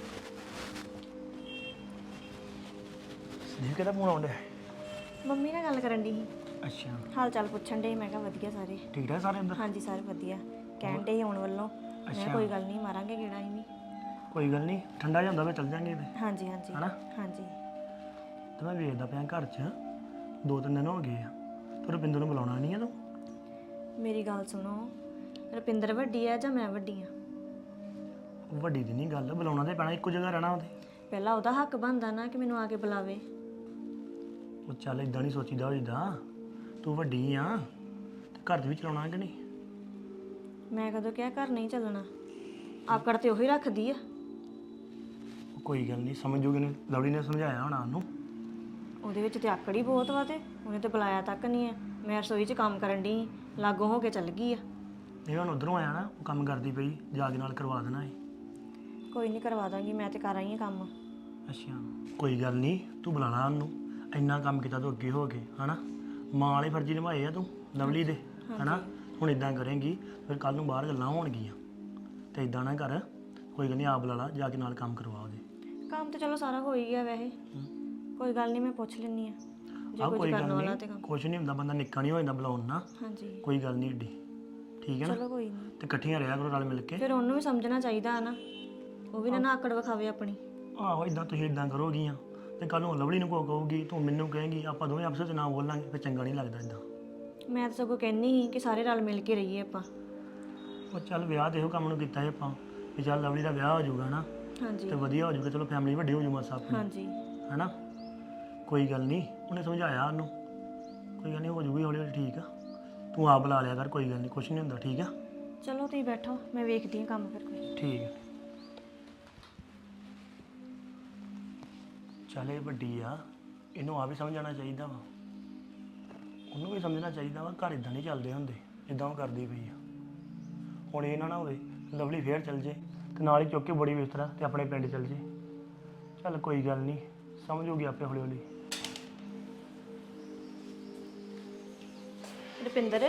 ਸੰਦੀਪ ਕਿਹਦਾ ਫੋਨ ਆਉਂਦਾ? ਮੰਮੀ ਨਾਲ ਗੱਲ ਕਰਨ ਦੀ ਸੀ, ਅੱਛਾ ਹਾਲ ਚਾਲ ਪੁੱਛਣ ਦੇ। ਮੈਂ ਕਿਹਾ ਵਧੀਆ ਸਾਰੇ। ਠੀਕ ਠਾਕ ਸਾਰੇ ਅੰਦਰ? ਹਾਂਜੀ ਸਾਰੇ ਵਧੀਆ, ਕਹਿਣ ਦੇ ਆਉਣ ਵੱਲੋਂ। ਮੈਂ ਕਿਹਾ ਕੋਈ ਗੱਲ ਨਹੀਂ, ਮਾਰਾਂਗੇ ਗੇੜਾ ਅਸੀਂ ਵੀ। ਕੋਈ ਗੱਲ ਨਹੀਂ, ਠੰਡਾ ਜਾਂਦਾ ਵਾ ਚੱਲ ਜਾਂਗੇ ਤੇ ਹਾਂਜੀ ਹਾਂਜੀ ਹਨਾ? ਹਾਂਜੀ। ਤੇ ਮੈਂ ਵੇਖਦਾ ਪਿਆ ਘਰ 'ਚ 2-3 ਦਿਨ ਹੋ ਗਏ ਆ, ਤੇ ਰੁਪਿੰਦਰ ਨੂੰ ਬੁਲਾਉਣਾ ਨਹੀਂ ਆ ਤੂੰ? ਮੇਰੀ ਗੱਲ ਸੁਣੋ, ਰੁਪਿੰਦਰ ਵੱਡੀ ਆ ਜਾਂ ਮੈਂ ਵੱਡੀ ਆ? ਵੱਡੀ ਦੀ ਨਹੀਂ ਗੱਲ, ਬੁਲਾਉਣਾ ਤੇ ਪੈਣਾ, ਇੱਕੋ ਜਗ੍ਹਾ ਰਹਿਣਾ ਉਹਦੇ। ਪਹਿਲਾਂ ਉਹਦਾ ਹੱਕ ਬਣਦਾ ਨਾ ਕਿ ਮੈਨੂੰ ਆ ਕੇ ਬੁਲਾਵੇ। ਉਹ ਚੱਲ ਇਦਾਂ ਨਹੀਂ ਸੋਚੀਦਾ ਹੋਈਦਾ, ਤੂੰ ਵੱਡੀ ਆ ਤੇ ਘਰ 'ਚ ਵੀ ਚਲਾਉਣਾ ਕਿ ਨਹੀਂ? ਮੈਂ ਕਦੋਂ ਕਿਹਾ ਘਰ ਨਹੀਂ ਚੱਲਣਾ? ਆਕੜ ਤੇ ਉਹੀ ਰੱਖਦੀ ਆ। ਉਹ ਕੋਈ ਗੱਲ ਨਹੀਂ, ਸਮਝ ਜੂਗੀ ਨੇ, ਲਵਲੀ ਨੇ ਸਮਝਾਇਆ ਹੋਣਾ ਉਹਨੂੰ। ਉਹਦੇ ਵਿੱਚ ਤੇ ਆਕੜ ਹੀ ਬਹੁਤ ਵਾ, ਤੇ ਉਹਨੇ ਤੇ ਬੁਲਾਇਆ ਤੱਕ ਨਹੀਂ ਆ। ਮੈਂ ਰਸੋਈ 'ਚ ਕੰਮ ਕਰਨ ਦੀ ਲਾਗੋਂ ਹੋ ਕੇ ਚੱਲ ਗਈ ਆ। ਇਹ ਹੁਣ ਉਧਰੋਂ ਆਇਆ ਨਾ, ਉਹ ਕੰਮ ਕਰਦੀ ਪਈ, ਜਾ ਕੇ ਨਾਲ ਕਰਵਾ ਦੇਣਾ ਏ। ਕੋਈ ਨਹੀਂ, ਕਰਵਾ ਦਾਂਗੀ, ਮੈਂ ਤੇ ਕਰ ਆਈ ਆ ਕੰਮ। ਅੱਛਾ ਕੋਈ ਗੱਲ ਨਹੀਂ, ਤੂੰ ਬੁਲਾ ਲਾ ਉਹਨੂੰ, ਇੰਨਾ ਕੰਮ ਕੀਤਾ ਤੂੰ ਅੱਗੇ ਹੋ ਕੇ, ਹਨਾ? ਮਾਂ ਵਾਲੇ ਫਰਜ਼ੀ ਨਿਭਾਏ ਆ ਤੂੰ ਲਵਲੀ ਦੇ, ਹਨਾ? ਹੁਣ ਇਦਾਂ ਕਰੇਂਗੀ ਫਿਰ ਕੱਲ ਨੂੰ ਬਾਹਰ ਗੱਲਾਂ ਹੋਣਗੀਆਂ, ਤੇ ਇਦਾਂ ਨਾ ਕਰ। ਕੋਈ ਗੱਲ ਨਹੀਂ, ਆਪ ਬੁਲਾ ਲਾ, ਜਾ ਕੇ ਨਾਲ ਕੰਮ ਕਰਵਾ ਉਹਦੇ। ਕੰਮ ਤੇ ਚਲੋ ਸਾਰਾ ਹੋ ਹੀ ਗਿਆ ਵੈਸੇ। ਕੋਈ ਗੱਲ ਨਹੀਂ, ਮੈਂ ਪੁੱਛ ਲੈਂਦੀ ਆ ਜੇ ਆਹ ਕੁਝ ਕੋਈ ਕਰਨ ਗੱਲ ਵਾਲਾ ਨਹੀਂ, ਤੇ ਕੰਮ। ਕੁਛ ਨਹੀਂ ਹੁੰਦਾ, ਬੰਦਾ ਨਿੱਕਾ ਨਹੀਂ ਹੋ ਜਾਂਦਾ ਬੁਲਾਉਣ ਨਾ। ਹਾਂਜੀ ਕੋਈ ਗੱਲ ਨਹੀਂ ਏਡੀ, ਠੀਕ ਹੈ ਨਾ? ਚਲੋ ਕੋਈ ਨਹੀਂ। ਤੇ ਇਕੱਠੀਆਂ ਰਿਹਾ ਕਰੋ ਰਲ ਮਿਲ ਕੇ। ਫਿਰ ਉਹਨੂੰ ਵੀ ਸਮਝਣਾ ਚਾਹੀਦਾ ਨਾ, ਉਹ ਵੀ ਨਾ ਆਕੜ ਵਿਖਾਵੇ ਆਪਣੀ। ਆਹੋ ਇਦਾਂ ਤੁਸੀਂ ਇਦਾਂ ਕਰੋਗੀਆਂ ਤੇ ਕੱਲ ਨੂੰ ਲਵਲੀ ਨੂੰ ਕੋ ਕਹੂਗੀ, ਤੂੰ ਮੈਨੂੰ ਕਹੇਂਗੀ, ਆਪਾਂ ਦੋਵੇਂ ਆਪਸ ਵਿੱਚ ਨਾ ਬੋਲਾਂਗੇ, ਫਿਰ ਚੰਗਾ ਨਹੀਂ ਲੱਗਦਾ ਇਦਾਂ। ਮੈਂ ਤਾਂ ਸਗੋਂ ਕਹਿੰਦੀ ਸੀ ਕਿ ਸਾਰੇ ਰਲ ਮਿਲ ਕੇ ਰਹੀਏ ਆਪਾਂ। ਉਹ ਚੱਲ ਵਿਆਹ ਤੇ ਇਹੋ ਕੰਮ ਨੂੰ ਕੀਤਾ ਸੀ ਆਪਾਂ, ਵੀ ਚੱਲ ਲਵਲੀ ਦਾ ਵਿਆਹ ਹੋ ਜਾਊਗਾ ਨਾ, ਹਾਂਜੀ ਤੇ ਵਧੀਆ ਹੋ ਜਾਊਗਾ, ਚਲੋ ਫੈਮਿਲੀ ਵੱਡੀ ਹੋ ਜਾਊ ਮਾਸਾ ਆਪਣੀ, ਹਾਂਜੀ ਹੈਨਾ? ਕੋਈ ਗੱਲ ਨਹੀਂ, ਉਹਨੇ ਸਮਝਾਇਆ ਉਹਨੂੰ, ਕੋਈ ਗੱਲ ਨਹੀਂ, ਹੋ ਜਾਊਗੀ ਹੌਲੀ ਹੌਲੀ, ਠੀਕ ਆ? ਤੂੰ ਆਪ ਬੁਲਾ ਲਿਆ ਕਰ, ਕੋਈ ਗੱਲ ਨਹੀਂ, ਕੁਛ ਨਹੀਂ ਹੁੰਦਾ, ਠੀਕ ਆ? ਚਲੋ ਤੁਸੀਂ ਬੈਠੋ, ਮੈਂ ਵੇਖਦੀ ਹਾਂ ਕੰਮ ਫਿਰ ਕੋਈ। ਠੀਕ ਹੈ। ਚੱਲ ਇਹ ਵੱਡੀ ਆ, ਇਹਨੂੰ ਆ ਵੀ ਸਮਝਾਉਣਾ ਚਾਹੀਦਾ ਵਾ, ਉਹਨੂੰ ਵੀ ਸਮਝਣਾ ਚਾਹੀਦਾ ਵਾ, ਘਰ ਇਦਾਂ ਨਹੀਂ ਚੱਲਦੇ ਹੁੰਦੇ ਜਿੱਦਾਂ ਉਹ ਕਰਦੀ ਪਈ ਆ। ਹੁਣ ਇਹ ਨਾ ਹੋਵੇ ਲਵਲੀ ਫੇਰ ਚੱਲ ਜੇ ਤੇ ਨਾਲ ਹੀ ਚੁੱਕ ਕੇ ਬੜੀ ਬਿਸਤਰਾ ਤੇ ਆਪਣੇ ਪਿੰਡ ਚੱਲ ਜੇ। ਚੱਲ ਕੋਈ ਗੱਲ ਨਹੀਂ, ਸਮਝੂਗੀ ਆਪੇ ਹੌਲੀ ਹੌਲੀ। ਰੁਪਿੰਦਰ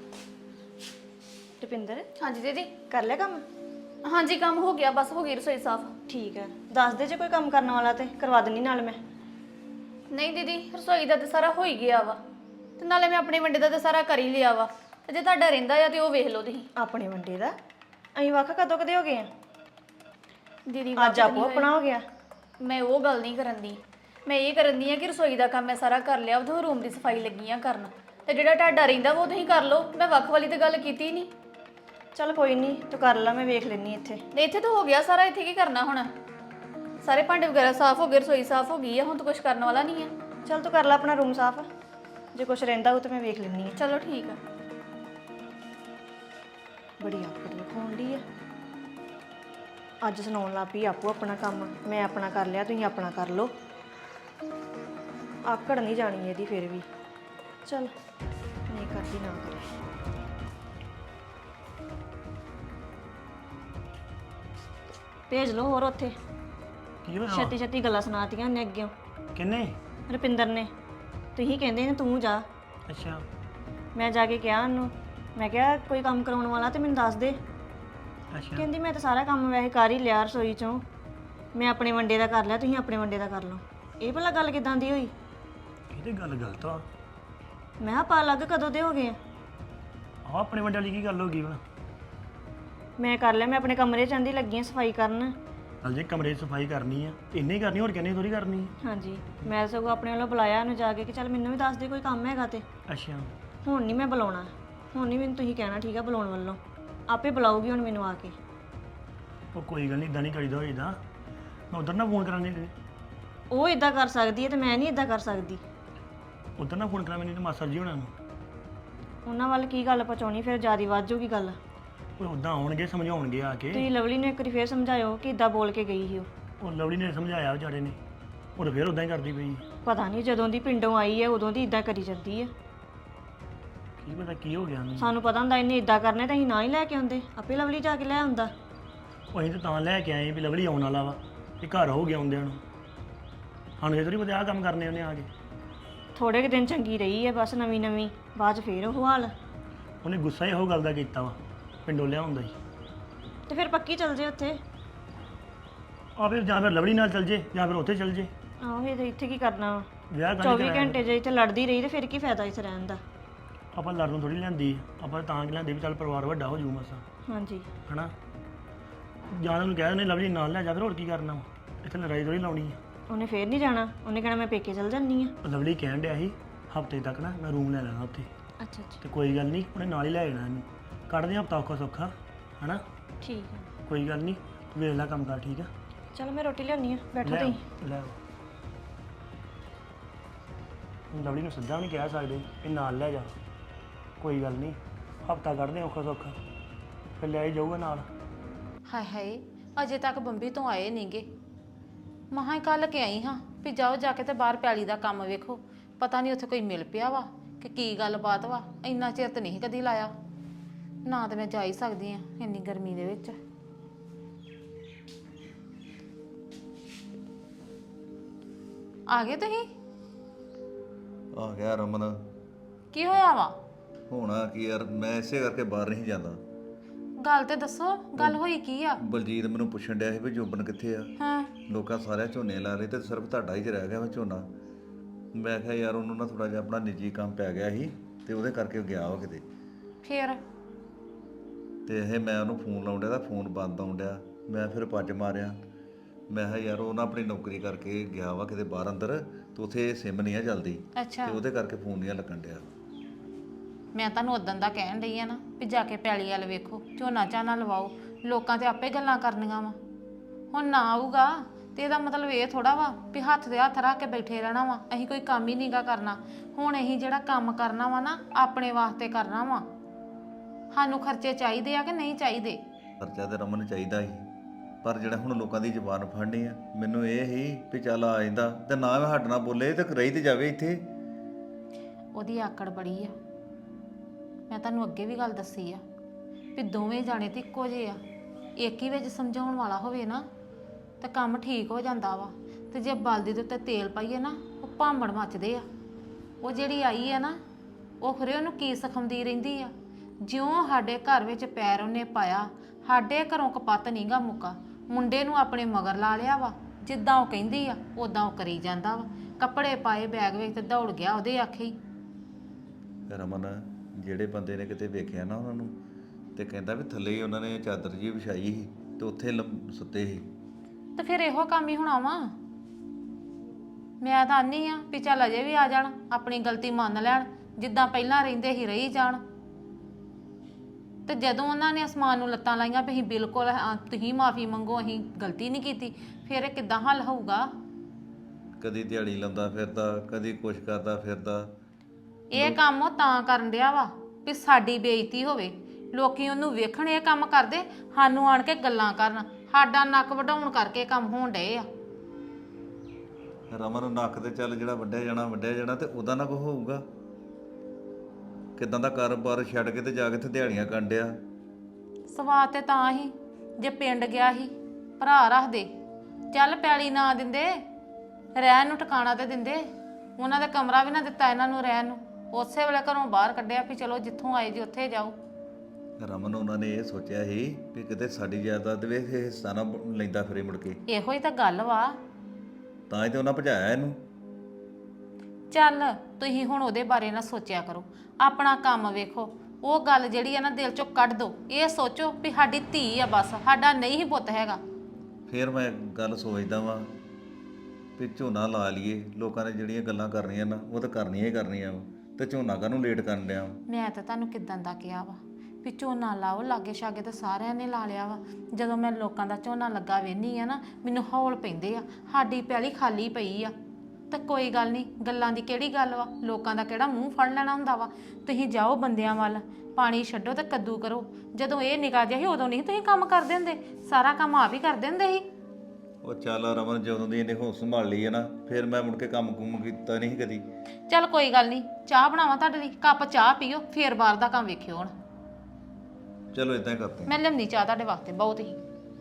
ਰੁਪਿੰਦਰ ਹਾਂਜੀ ਦੀਦੀ। ਕਰ ਲਿਆ ਕੰਮ? ਹਾਂਜੀ ਕੰਮ ਹੋ ਗਿਆ, ਬਸ ਹੋ ਗਈ ਰਸੋਈ ਸਾਫ਼। ਠੀਕ ਹੈ, ਦੱਸ ਦੇ ਜੇ ਕੋਈ ਕੰਮ ਕਰਨ ਵਾਲਾ ਤੇ ਕਰਵਾ ਦਿੰਨੀ ਨਾਲ ਮੈਂ। ਨਹੀਂ ਦੀਦੀ, ਰਸੋਈ ਦਾ ਤੇ ਸਾਰਾ ਹੋ ਹੀ ਗਿਆ ਵਾ, ਤੇ ਨਾਲੇ ਮੈਂ ਆਪਣੇ ਵੰਡੇ ਦਾ ਤੇ ਸਾਰਾ ਕਰ ਹੀ ਲਿਆ ਵਾ। ਤੇ ਜੇ ਤੁਹਾਡਾ ਰਹਿੰਦਾ ਆ ਤੇ ਉਹ ਵੇਖ ਲਓ ਤੁਸੀਂ। ਆਪਣੇ ਵੰਡੇ ਦਾ ਅਸੀਂ ਵੱਖ ਕਦੋਂ ਕਦੇ ਹੋ ਗਏ ਆ? ਦੀਦੀ ਅੱਜ ਆਪੋ ਆਪਣਾ ਹੋ ਗਿਆ। ਮੈਂ ਉਹ ਗੱਲ ਨਹੀਂ ਕਰਨ ਦੀ, ਮੈਂ ਇਹ ਕਰਨ ਦੀ ਆ ਕਿ ਰਸੋਈ ਦਾ ਕੰਮ ਮੈਂ ਸਾਰਾ ਕਰ ਲਿਆ, ਉਦੋਂ ਰੂਮ ਦੀ ਸਫਾਈ ਲੱਗੀ ਆ ਕਰਨ। ਤੇ ਜਿਹੜਾ ਤੁਹਾਡਾ ਰਹਿੰਦਾ ਉਹ ਤੁਸੀਂ ਕਰ ਲਓ, ਮੈਂ ਵੱਖ ਵਾਲੀ ਤੇ ਗੱਲ ਕੀਤੀ ਨਹੀਂ। ਚੱਲ ਕੋਈ ਨਹੀਂ, ਤੂੰ ਕਰ ਲੈ, ਮੈਂ ਵੇਖ ਲੈਣੀ ਇੱਥੇ। ਨਹੀਂ ਇੱਥੇ ਤਾਂ ਹੋ ਗਿਆ ਸਾਰਾ, ਇੱਥੇ ਕੀ ਕਰਨਾ ਹੁਣ? ਸਾਰੇ ਭਾਂਡੇ ਵਗੈਰਾ ਸਾਫ਼ ਹੋ ਗਏ, ਰਸੋਈ ਸਾਫ਼ ਹੋ ਗਈ ਆ, ਹੁਣ ਤਾਂ ਕੁਝ ਕਰਨ ਵਾਲਾ ਨਹੀਂ ਆ। ਚੱਲ ਤੂੰ ਕਰ ਲੈ ਆਪਣਾ ਰੂਮ ਸਾਫ਼, ਜੇ ਕੁਝ ਰਹਿੰਦਾ ਉਹ ਤੇ ਮੈਂ ਵੇਖ ਲੈਣੀ ਆ। ਚਲੋ ਠੀਕ ਆ। ਬੜੀ ਆਕੜ ਵਿਖਾਉਣ ਡਈ ਆ। ਅੱਜ ਸੁਣਾਉਣ ਲੱਗ ਪਈ ਆਪੋ ਆਪਣਾ ਕੰਮ, ਮੈਂ ਆਪਣਾ ਕਰ ਲਿਆ, ਤੁਸੀਂ ਆਪਣਾ ਕਰ ਲਓ। ਆਕੜ ਨਹੀਂ ਜਾਣੀ ਇਹਦੀ ਫਿਰ ਵੀ। ਚਲ ਨਹੀਂ ਕਰਦੀ ਨਾ ਕਰੇ। ਭੇਜ ਲਓ ਹੋਰ ਉੱਥੇ। ਕੀ ਹੋਇਆ? ਛੇਤੀ ਛੇਤੀ ਗੱਲਾਂ ਸੁਣਾਤੀਆਂ ਉਹਨੇ ਅੱਗਿਓਂ, ਕਿੰਨੇ? ਰੁਪਿੰਦਰ ਨੇ। ਤੁਸੀਂ ਕਹਿੰਦੇ ਨੇ ਤੂੰ ਜਾ, ਅੱਛਾ ਮੈਂ ਜਾ ਕੇ ਕਿਹਾ ਉਹਨੂੰ, ਮੈਂ ਕਿਹਾ ਕੋਈ ਕੰਮ ਕਰਾਉਣ ਵਾਲਾ ਤੇ ਮੈਨੂੰ ਦੱਸ ਦੇ। ਅੱਛਾ ਕਹਿੰਦੀ ਮੈਂ ਤਾਂ ਸਾਰਾ ਕੰਮ ਵੈਸੇ ਕਰ ਹੀ ਲਿਆ ਰਸੋਈ ਚੋਂ, ਮੈਂ ਆਪਣੇ ਵੰਡੇ ਦਾ ਕਰ ਲਿਆ, ਤੁਸੀਂ ਆਪਣੇ ਵੰਡੇ ਦਾ ਕਰ ਲਓ। ਇਹ ਭਲਾ ਗੱਲ ਕਿਦਾਂ ਦੀ ਹੋਈ? ਇਹ ਤੇ ਗੱਲ ਗਲਤ ਆ। ਮੈਂ ਕਿਹਾ ਆਪਾਂ ਅਲੱਗ ਕਦੋਂ ਦੇ ਹੋ ਗਏ ਆ? ਆਹ ਆਪਣੇ ਵੱਡੇ ਵਾਲੀ ਕੀ ਗੱਲ ਹੋ ਗਈ ਹੁਣ? ਮੈਂ ਕਰ ਲਿਆ, ਮੈਂ ਆਪਣੇ ਕਮਰੇ 'ਚ ਆਂਦੀ ਲੱਗੀ ਆ ਸਫਾਈ ਕਰਨ। ਚੱਲ ਜੇ ਕਮਰੇ 'ਚ ਸਫਾਈ ਕਰਨੀ ਆ ਤੇ ਇੰਨੇ ਹੀ ਕਰਨੀ, ਹੋਰ ਕਹਿੰਦੇ ਥੋੜੀ ਕਰਨੀ ਆ। ਹਾਂਜੀ, ਮੈਂ ਸਗੋਂ ਆਪਣੇ ਵੱਲੋਂ ਬੁਲਾਇਆ ਉਹਨੂੰ ਜਾ ਕੇ ਕਿ ਚੱਲ ਮੈਨੂੰ ਵੀ ਦੱਸ ਦੇ ਕੋਈ ਕੰਮ ਹੈਗਾ ਤੇ। ਅੱਛਾ ਹੁਣ ਨਹੀਂ ਮੈਂ ਬੁਲਾਉਣਾ, ਹੁਣ ਨਹੀਂ ਮੈਨੂੰ ਤੁਸੀਂ ਕਹਿਣਾ, ਠੀਕ ਆ? ਬੁਲਾਉਣ ਵੱਲੋਂ ਆਪੇ ਬੁਲਾਊਗੀ ਹੁਣ ਮੈਨੂੰ ਆ ਕੇ। ਉਹ ਕੋਈ ਗੱਲ ਨਹੀਂ, ਇਦਾਂ ਨਹੀਂ ਕਰੀਦਾ ਹੋਈਦਾ। ਮੈਂ ਉਧਰ ਨਾ ਫੋਨ ਕਰਾਂਗੇ, ਉਹ ਇਦਾਂ ਕਰ ਸਕਦੀ ਹੈ ਤੇ ਮੈਂ ਨਹੀਂ ਇਦਾਂ ਕਰ ਸਕਦੀ। ਉਧਰ ਨਾ ਫੋਨ ਕਰਾਂ ਮੈਨੂੰ ਤੇ ਮਾਸਟਰ ਜੀ ਹੋਣਾ ਨੂੰ। ਉਹਨਾਂ ਵੱਲ ਕੀ ਗੱਲ ਪਹੁੰਚਾਉਣੀ, ਫਿਰ ਜ਼ਿਆਦਾ ਵੱਧ ਜਾਊਗੀ ਗੱਲ। ਉਹ ਉਦਾਂ ਆਉਣਗੇ, ਸਮਝਾਉਣਗੇ ਆ ਕੇ। ਤੁਸੀਂ ਲਵਲੀ ਨੂੰ ਇੱਕ ਵਾਰੀ ਫੇਰ ਸਮਝਾਇਓ ਕਿ ਇਦਾਂ ਬੋਲ ਕੇ ਗਈ ਸੀ ਉਹ। ਉਹ ਲਵਲੀ ਨੇ ਸਮਝਾਇਆ ਵਿਚਾਰੇ ਨੇ, ਉਹ ਫਿਰ ਉਦਾਂ ਹੀ ਕਰਦੀ ਪਈ। ਪਤਾ ਨਹੀਂ ਜਦੋਂ ਦੀ ਪਿੰਡੋਂ ਆਈ ਹੈ ਉਦੋਂ ਦੀ ਇਦਾਂ ਕਰੀ ਜਾਂਦੀ ਹੈ। ਕੀ ਪਤਾ ਕੀ ਹੋ ਗਿਆ ਉਹਨੂੰ। ਸਾਨੂੰ ਪਤਾ ਹੁੰਦਾ ਇਹਨੇ ਇਦਾਂ ਕਰਨੇ ਤਾਂ ਅਸੀਂ ਨਾ ਹੀ ਲੈ ਕੇ ਆਉਂਦੇ, ਆਪੇ ਲਵਲੀ ਜਾ ਕੇ ਲੈ ਆਉਂਦਾ। ਉਹ ਅਸੀਂ ਤਾਂ ਲੈ ਕੇ ਆਏ ਵੀ ਲਵਲੀ ਆਉਣ ਵਾਲਾ ਵਾ, ਇਹ ਘਰ ਹੋ ਗਿਆ ਆਉਂਦਿਆਂ ਨੂੰ। ਸਾਨੂੰ ਇਹ ਥੋੜ੍ਹੀ ਪਤਾ ਆਹ ਕੰਮ ਕਰਨੇ ਉਹਨੇ ਆ ਕੇ। ਥੋੜੇ ਕੁ ਦਿਨ ਚੰਗੀ ਰਹੀ ਹੈ ਬਸ, ਨਵੀਂ ਨਵੀਂ, ਬਾਅਦ 'ਚ ਫੇਰ ਉਹ ਹਾਲ। ਉਹਨੇ ਗੁੱਸਾ ਹੀ ਇਹੋ ਗੱਲ ਦਾ ਕੀਤਾ ਵਾ, ਪਿੰਡੋਂ ਲਿਆ ਹੁੰਦਾ ਸੀ। ਤੇ ਫਿਰ ਪੱਕੀ ਚੱਲ ਜੇ ਉੱਥੇ। ਆ ਫਿਰ ਜਾਂ ਫਿਰ ਲਵਲੀ ਨਾਲ ਚੱਲ ਜੇ ਜਾਂ ਫਿਰ ਉੱਥੇ ਚੱਲ ਜੇ। ਆਹੋ ਇਹ ਇੱਥੇ ਕੀ ਕਰਨਾ ਵਾ? ਵਿਆਹ ਕਰਨੀ 24 ਘੰਟੇ ਜੇ ਇੱਥੇ ਲੜਦੀ ਰਹੀ ਤੇ ਫਿਰ ਕੀ ਫਾਇਦਾ ਇੱਥੇ ਰਹਿਣ ਦਾ? ਆਪਾਂ ਲੜਨ ਨੂੰ ਥੋੜੀ ਲੈਂਦੀ, ਆਪਾਂ ਤਾਂ ਕਿ ਲੈਂਦੇ ਵੀ ਚੱਲ ਪਰਿਵਾਰ ਵੱਡਾ ਹੋ ਜੂ ਮਸਾਂ, ਹਾਂਜੀ ਹਨਾ। ਜਾਂ ਉਹਨੂੰ ਕਹਿ ਦਿੰਦੇ ਲਵਲੀ ਨਾਲ ਲੈ ਜਾ, ਫਿਰ ਹੋਰ ਕੀ ਕਰਨਾ ਵਾ, ਇੱਥੇ ਲੜਾਈ ਥੋੜੀ ਲਾਉਣੀ ਆ। ਉਹਨੇ ਫੇਰ ਨਹੀਂ ਜਾਣਾ, ਉਹਨੇ ਕਹਿਣਾ ਮੈਂ ਪੇਕੇ ਚੱਲ ਜਾਂਦੀ ਆ। ਉਹ ਲਵਲੀ ਕਹਿਣ ਡਿਆ ਸੀ ਹਫਤੇ ਤੱਕ ਨਾ ਮੈਂ ਰੂਮ ਲੈ ਲੈਣਾ ਉੱਥੇ। ਅੱਛਾ ਅੱਛਾ ਤੇ ਕੋਈ ਗੱਲ ਨਹੀਂ, ਉਹਨੇ ਨਾਲ ਹੀ ਲੈ ਜਾਣਾ ਇਹਨੂੰ। ਕੱਢਦੇ ਹਫਤਾ ਔਖਾ ਸੌਖਾ, ਹਨਾ। ਠੀਕ ਆ। ਕੋਈ ਗੱਲ ਨਹੀਂ, ਵੇਖ ਲੈ ਕੰਮ ਕਰ, ਠੀਕ ਆ। ਚਲੋ ਮੈਂ ਰੋਟੀ ਲਿਆਉਣੀ ਆ, ਬੈਠੋ ਲੈ ਤੁਸੀਂ। ਲੈ ਲਵਲੀ ਨੂੰ ਸਿੱਧਾ ਵੀ ਨਹੀਂ ਕਹਿ ਸਕਦੇ ਇਹ ਨਾਲ ਲੈ ਜਾ। ਕੋਈ ਗੱਲ ਨਹੀਂ, ਹਫਤਾ ਕੱਢਦੇ ਔਖਾ ਸੌਖਾ, ਫਿਰ ਲੈ ਹੀ ਜਾਊਗਾ ਨਾਲ। ਹਾਏ ਹਾਏ, ਅਜੇ ਤੱਕ ਬੰਬੀ ਤੋਂ ਆਏ ਨਹੀਂਗੇ। ਮਹਾਂ ਹੀ ਕੱਲ ਕੇ ਆਈ ਹਾਂ ਵੀ ਜਾਓ ਜਾ ਕੇ ਤੇ ਬਾਹਰ ਪੈਲੀ ਦਾ ਕੰਮ ਵੇਖੋ। ਪਤਾ ਨਹੀਂ ਉੱਥੇ ਕੋਈ ਮਿਲ ਪਿਆ ਵਾ ਕਿ ਕੀ ਗੱਲਬਾਤ ਵਾ। ਇੰਨਾ ਚਿਰ ਤਾਂ ਨਹੀਂ ਕਦੀ ਲਾਇਆ ਨਾ, ਤੇ ਮੈਂ ਜਾ ਹੀ ਸਕਦੀ ਆ ਇੰਨੀ ਗਰਮੀ ਦੇ ਵਿੱਚ। ਆ ਗਏ ਤੁਸੀਂ? ਆ ਗਿਆ ਰਮਨ। ਕੀ ਹੋਇਆ ਵਾ? ਹੋਣਾ ਕੀ ਯਾਰ, ਮੈਂ ਇਸੇ ਕਰਕੇ ਬਾਹਰ ਨਹੀਂ ਜਾਂਦਾ। ਗੱਲ ਤੇ ਦੱਸੋ, ਗੱਲ ਹੋਈ ਕੀ ਆ? ਬਲਜੀਤ ਮੈਨੂੰ ਪੁੱਛਣ ਡਿਆ ਸੀ ਵੀ ਜੋਬਨ ਕਿੱਥੇ ਆ। ਹਾਂ, ਲੋਕਾਂ ਸਾਰਿਆਂ ਝੋਨੇ ਲਾ ਰਹੇ ਤੇ ਸਿਰਫ ਤੁਹਾਡਾ ਹੀ ਚ ਰਹਿ ਗਿਆ ਵਾ ਝੋਨਾ। ਮੈਂ ਕਿਹਾ ਯਾਰ ਉਹਨੂੰ ਨਾ ਥੋੜਾ ਜਿਹਾ ਆਪਣਾ ਨਿੱਜੀ ਕੰਮ ਪੈ ਗਿਆ ਸੀ ਤੇ ਉਹਦੇ ਕਰਕੇ ਉਹ ਗਿਆ ਵਾ ਕਿਤੇ। ਫੇਰ? ਤੇ ਇਹ ਮੈਂ ਉਹਨੂੰ ਫੋਨ ਲਾਉਣ ਡਿਆ ਤਾਂ ਫੋਨ ਬੰਦ ਆਉਣ ਡਿਆ। ਮੈਂ ਫਿਰ ਪੱਜ ਮਾਰਿਆ। ਮੈਂ ਕਿਹਾ ਯਾਰ ਉਹ ਨਾ ਆਪਣੀ ਨੌਕਰੀ ਕਰਕੇ ਗਿਆ ਵਾ ਕਿਤੇ ਬਾਹਰ ਅੰਦਰ, ਤੇ ਉੱਥੇ ਸਿਮ ਨਹੀਂ ਆ ਚੱਲਦੀ ਅੱਛਾ, ਤੇ ਉਹਦੇ ਕਰਕੇ ਫੋਨ ਨਹੀਂ ਲੱਗਣ ਡਿਆ। ਮੈਂ ਤੁਹਾਨੂੰ ਉਦੋਂ ਦਾ ਕਹਿਣ ਡਈ ਆ ਨਾ ਵੀ ਜਾ ਕੇ ਪੈਲੀ ਵੱਲ ਵੇਖੋ, ਝੋਨਾ ਝਾਨਾ ਲਵਾਓ। ਲੋਕਾਂ ਤੇ ਆਪੇ ਗੱਲਾਂ ਕਰਨੀਆਂ ਵਾ। ਹੁਣ ਨਾ ਆਊਗਾ ਤੇ ਇਹਦਾ ਮਤਲਬ ਇਹ ਥੋੜਾ ਵਾ ਵੀ ਹੱਥ ਦੇ ਹੱਥ ਰੱਖ ਕੇ ਬੈਠੇ ਰਹਿਣਾ ਵਾ। ਅਸੀਂ ਕੋਈ ਕੰਮ ਹੀ ਨਹੀਂਗਾ ਕਰਨਾ। ਹੁਣ ਅਸੀਂ ਜਿਹੜਾ ਕੰਮ ਕਰਨਾ ਵਾ ਨਾ, ਆਪਣੇ ਵਾਸਤੇ ਕਰਨਾ ਵਾ। ਸਾਨੂੰ ਖਰਚੇ ਚਾਹੀਦੇ ਆ ਕਿ ਨਹੀਂ ਚਾਹੀਦੇ? ਖਰਚਾ ਤੇ ਰਮਨ ਚਾਹੀਦਾ ਸੀ, ਪਰ ਜਿਹੜਾ ਹੁਣ ਲੋਕਾਂ ਦੀ ਜ਼ੁਬਾਨ ਫੜਨੀ ਆ, ਮੈਨੂੰ ਇਹ ਹੀ ਵੀ ਚੱਲ ਆ ਜਾਂਦਾ ਤੇ ਨਾ ਮੈਂ ਹੱਟ ਨਾ ਬੋਲੇ ਤੇ ਰਹੀ ਤੇ ਜਾਵੇ ਇੱਥੇ। ਉਹਦੀ ਆਕੜ ਬੜੀ ਆ। ਮੈਂ ਤੁਹਾਨੂੰ ਅੱਗੇ ਵੀ ਗੱਲ ਦੱਸੀ ਆ ਵੀ ਦੋਵੇਂ ਜਾਣੇ ਤੇ ਇੱਕੋ ਜਿਹੇ ਆ। ਇੱਕ ਹੀ ਵਿੱਚ ਸਮਝਾਉਣ ਵਾਲਾ ਹੋਵੇ ਨਾ ਤਾਂ ਕੰਮ ਠੀਕ ਹੋ ਜਾਂਦਾ ਵਾ। ਤੇ ਜੇ ਬਲਦੀ ਦੇ ਉੱਤੇ ਤੇਲ ਪਾਈਏ ਨਾ, ਉਹ ਭਾਂਬੜ ਮੱਚਦੇ ਆ। ਉਹ ਜਿਹੜੀ ਆਈ ਆ ਨਾ, ਉਹ ਖਰੇ ਉਹਨੂੰ ਕੀ ਸਿਖਾਉਂਦੀ ਰਹਿੰਦੀ ਆ। ਜਿਉਂ ਸਾਡੇ ਘਰ ਵਿੱਚ ਪੈਰ ਉਹਨੇ ਪਾਇਆ, ਸਾਡੇ ਘਰੋਂ ਕਪੱਤ ਨਹੀਂਗਾ ਮੁੱਕਾ। ਮੁੰਡੇ ਨੂੰ ਆਪਣੇ ਮਗਰ ਲਾ ਲਿਆ ਵਾ। ਜਿੱਦਾਂ ਉਹ ਕਹਿੰਦੀ ਆ ਉਦਾਂ ਉਹ ਕਰੀ ਜਾਂਦਾ ਵਾ। ਕੱਪੜੇ ਪਾਏ ਬੈਗ ਵਿੱਚ ਤੇ ਦੌੜ ਗਿਆ ਉਹਦੇ ਆਖੇ ਹੀ। ਰਮਨ, ਜਿਹੜੇ ਬੰਦੇ ਨੇ ਕਿਤੇ ਵੇਖਿਆ ਨਾ ਉਹਨਾਂ ਨੂੰ, ਤੇ ਕਹਿੰਦਾ ਵੀ ਥੱਲੇ ਹੀ ਉਹਨਾਂ ਨੇ ਚਾਦਰ ਜੀ ਵਿਛਾਈ ਸੀ ਤੇ ਉੱਥੇ ਸੁੱਤੇ ਸੀ। ਤੇ ਫਿਰ ਇਹੋ ਕੰਮ ਹੀ ਹੋਣਾ ਵਾ। ਮੈਂ ਤਾਂ ਆਨੀ ਆ ਵੀ ਚੱਲ ਅਜੇ ਵੀ ਆ ਜਾਣ, ਆਪਣੀ ਗਲਤੀ ਮੰਨ ਲੈਣ, ਜਿੱਦਾਂ ਪਹਿਲਾਂ ਰਹਿੰਦੇ ਹੀ ਰਹੀ ਜਾਣ। ਤੇ ਜਦੋਂ ਉਹਨਾਂ ਨੇ ਅਸਮਾਨ ਨੂੰ ਲੱਤਾਂ ਲਾਈਆਂ ਵੀ ਅਸੀਂ ਬਿਲਕੁਲ ਤੁਸੀਂ ਮਾਫੀ ਮੰਗੋ, ਅਸੀਂ ਗਲਤੀ ਨਹੀਂ ਕੀਤੀ, ਫਿਰ ਇਹ ਕਿੱਦਾਂ ਹੱਲ ਹੋਊਗਾ? ਕਦੀ ਦਿਹਾੜੀ ਲਾਉਂਦਾ ਫਿਰਦਾ, ਕਦੀ ਕੁਛ ਕਰਦਾ ਫਿਰਦਾ। ਇਹ ਕੰਮ ਉਹ ਤਾਂ ਕਰਨ ਡਿਆ ਵਾ ਵੀ ਸਾਡੀ ਬੇਇੱਜ਼ਤੀ ਹੋਵੇ, ਲੋਕੀ ਉਹਨੂੰ ਵੇਖਣ ਇਹ ਕੰਮ ਕਰਦੇ, ਸਾਨੂੰ ਆਣ ਕੇ ਗੱਲਾਂ ਕਰਨ, ਸਾਡਾ ਨੱਕ ਵਢਾਉਣ ਕਰਕੇ ਕੰਮ ਹੋਣ ਡਏ ਆ। ਰਮਨ, ਨੱਕ ਤੇ ਚੱਲ ਜਿਹੜਾ ਵੱਢਿਆ ਜਾਣਾ ਤੇ ਉਹਦਾ ਨਾ ਕੁਛ ਹੋਊਗਾ। ਕਿਦਾਂ ਦਾ ਕਾਰੋਬਾਰ ਛੱਡ ਕੇ ਤੇ ਜਾ ਕੇ ਤੇ ਦਿਹਾੜੀਆਂ ਕਰਨ ਡਿਆ। ਸਵਾਦ ਤੇ ਤਾਂ ਹੀ ਜੇ ਪਿੰਡ ਗਿਆ ਸੀ, ਭਰਾ ਰੱਖਦੇ, ਚੱਲ ਪੈਲੀ ਨਾ ਦਿੰਦੇ, ਰਹਿਣ ਨੂੰ ਟਿਕਾਣਾ ਤੇ ਦਿੰਦੇ। ਉਹਨਾਂ ਦਾ ਕਮਰਾ ਵੀ ਨਾ ਦਿੱਤਾ ਇਹਨਾਂ ਨੂੰ ਰਹਿਣ ਨੂੰ, ਉਸੇ ਵੇਲੇ ਘਰੋਂ ਬਾਹਰ ਕੱਢਿਆ ਵੀ ਚਲੋ ਜਿੱਥੋਂ ਆਏ ਜੀ ਉੱਥੇ ਜਾਓ। ਰਮਨ, ਉਹਨਾਂ ਨੇ ਇਹ ਸੋਚਿਆ ਸੀ ਵੀ ਕਿਤੇ ਸਾਡੀ ਜਾਇਦਾਦ ਵੇ ਹਿੱਸਾ ਨਾ ਲੈਂਦਾ ਫਿਰੇ ਮੁੜ ਕੇ। ਇਹੋ ਹੀ ਤਾਂ ਗੱਲ ਵਾ। ਤਾਂ ਹੀ ਤੇ ਉਹਨਾਂ ਭਜਾਇਆ ਇਹਨੂੰ। ਚੱਲ ਤੁਸੀਂ ਹੁਣ ਉਹਦੇ ਬਾਰੇ ਨਾ ਸੋਚਿਆ ਕਰੋ, ਆਪਣਾ ਕੰਮ ਵੇਖੋ। ਉਹ ਗੱਲ ਜਿਹੜੀ ਆ ਨਾ ਦਿਲ ਚੋਂ ਕੱਢ ਦੋ। ਇਹ ਸੋਚੋ ਵੀ ਸਾਡੀ ਧੀ ਆ, ਬਸ ਸਾਡਾ ਨਹੀਂ ਹੀ ਪੁੱਤ ਹੈਗਾ। ਫਿਰ ਮੈਂ ਗੱਲ ਸੋਚਦਾ ਵਾਂ ਵੀ ਝੋਨਾ ਲਾ ਲਈਏ। ਲੋਕਾਂ ਨੇ ਜਿਹੜੀਆਂ ਗੱਲਾਂ ਕਰਨੀਆਂ ਨਾ, ਉਹ ਤਾਂ ਕਰਨੀਆਂ ਹੀ ਕਰਨੀਆਂ ਵਾ, ਤੇ ਝੋਨਾ ਕਾਹਨੂੰ ਲੇਟ ਕਰਨ ਡਿਆ ਵਾ। ਮੈਂ ਤਾਂ ਤੁਹਾਨੂੰ ਕਿਦਾਂ ਦਾ ਕਿਹਾ ਵਾ ਵੀ ਝੋਨਾ ਲਾਓ, ਲਾਗੇ ਛਾਗੇ ਤਾਂ ਸਾਰਿਆਂ ਨੇ ਲਾ ਲਿਆ ਵਾ। ਜਦੋਂ ਮੈਂ ਲੋਕਾਂ ਦਾ ਝੋਨਾ ਲੱਗਾ ਵੇਖਦੀ ਆ ਨਾ, ਮੈਨੂੰ ਹੌਲ ਪੈਂਦੇ ਆ। ਸਾਡੀ ਪੈਲੀ ਖਾਲੀ ਪਈ ਆ। ਤਾਂ ਕੋਈ ਗੱਲ ਨਹੀਂ, ਗੱਲਾਂ ਦੀ ਕਿਹੜੀ ਗੱਲ ਵਾ, ਲੋਕਾਂ ਦਾ ਕਿਹੜਾ ਮੂੰਹ ਫੜ ਲੈਣਾ ਹੁੰਦਾ ਵਾ। ਤੁਸੀਂ ਜਾਓ ਬੰਦਿਆਂ ਵੱਲ, ਪਾਣੀ ਛੱਡੋ ਤੇ ਕੱਦੂ ਕਰੋ। ਜਦੋਂ ਇਹ ਨਿਕਾ ਜਿਹਾ ਸੀ ਉਦੋਂ ਨਹੀਂ ਤੁਸੀਂ ਕੰਮ ਕਰਦੇ ਹੁੰਦੇ, ਸਾਰਾ ਕੰਮ ਆਪ ਹੀ ਕਰਦੇ ਹੁੰਦੇ ਸੀ। ਉਹ ਚੱਲ ਰਮਨ, ਜਦੋਂ ਦੀ ਇਹਨੇ ਹੋਸ਼ ਸੰਭਾਲ ਲਈ ਹੈ ਨਾ, ਫਿਰ ਮੈਂ ਮੁੜ ਕੇ ਕੰਮ ਕੁੰਮ ਕੀਤਾ ਨਹੀਂ ਕਦੀ। ਚੱਲ ਕੋਈ ਗੱਲ ਨਹੀਂ, ਚਾਹ ਬਣਾਵਾਂ ਤੁਹਾਡੇ ਲਈ, ਕੱਪ ਚਾਹ ਪੀਓ ਫੇਰ ਬਾਹਰ ਦਾ ਕੰਮ ਵੇਖਿਓ ਹੁਣ। ਚਲੋ ਇਦਾਂ ਹੀ ਕਰਦੇ ਮੈਂ ਲਿਆਉਂਦੀ ਚਾਹ ਤੁਹਾਡੇ ਵਾਸਤੇ ਬਹੁਤ ਹੀ।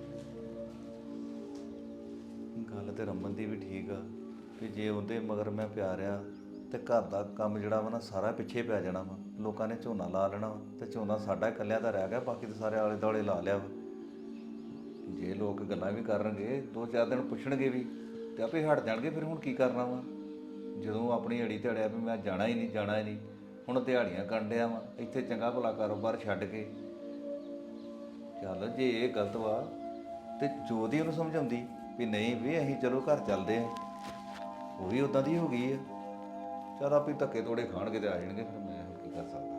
ਗੱਲ ਤੇ ਰਮਨ ਦੀ ਵੀ ਠੀਕ ਆ ਕਿ ਜੇ ਉਹਦੇ ਮਗਰ ਮੈਂ ਪਿਆ ਰਿਹਾ ਤੇ ਘਰ ਦਾ ਕੰਮ ਜਿਹੜਾ ਵਾ ਨਾ ਸਾਰਾ ਪਿੱਛੇ ਪੈ ਜਾਣਾ ਵਾ। ਲੋਕਾਂ ਨੇ ਝੋਨਾ ਲਾ ਲੈਣਾ ਵਾ ਤੇ ਝੋਨਾ ਸਾਡਾ ਇਕੱਲਿਆਂ ਦਾ ਰਹਿ ਗਿਆ, ਬਾਕੀ ਤਾਂ ਸਾਰੇ ਆਲੇ ਦੁਆਲੇ ਲਾ ਲਿਆ ਵਾ। ਜੇ ਲੋਕ ਗੱਲਾਂ ਵੀ ਕਰਨਗੇ 2-4 ਦਿਨ ਪੁੱਛਣਗੇ ਵੀ ਤੇ ਆਪੇ ਹਟ ਜਾਣਗੇ। ਫਿਰ ਹੁਣ ਕੀ ਕਰਨਾ ਵਾ ਜਦੋਂ ਆਪਣੀ ਅੜੀ ਤੇ ਅੜਿਆ ਵੀ ਮੈਂ ਜਾਣਾ ਹੀ ਨਹੀਂ ਜਾਣਾ ਹੀ ਨਹੀਂ। ਹੁਣ ਦਿਹਾੜੀਆਂ ਕਰਨ ਡਿਆ ਵਾ ਇੱਥੇ, ਚੰਗਾ ਭਲਾ ਕਾਰੋਬਾਰ ਛੱਡ ਕੇ। ਚੱਲ ਜੇ ਇਹ ਗਲਤ ਵਾ ਤੇ ਜੋਦੀ ਉਹਨੂੰ ਸਮਝਾਉਂਦੀ ਵੀ ਨਹੀਂ ਵੀ ਅਸੀਂ ਚਲੋ ਘਰ ਚੱਲਦੇ ਆ, ਉਹ ਵੀ ਉਦਾਂ ਦੀ ਹੋ ਗਈ ਆ। ਚੱਲ ਆਪੇ ਧੱਕੇ ਤੋੜੇ ਖਾਣਗੇ ਤੇ ਆ ਜਾਣਗੇ, ਫਿਰ ਮੈਂ ਕੀ ਕਰ ਸਕਦਾ।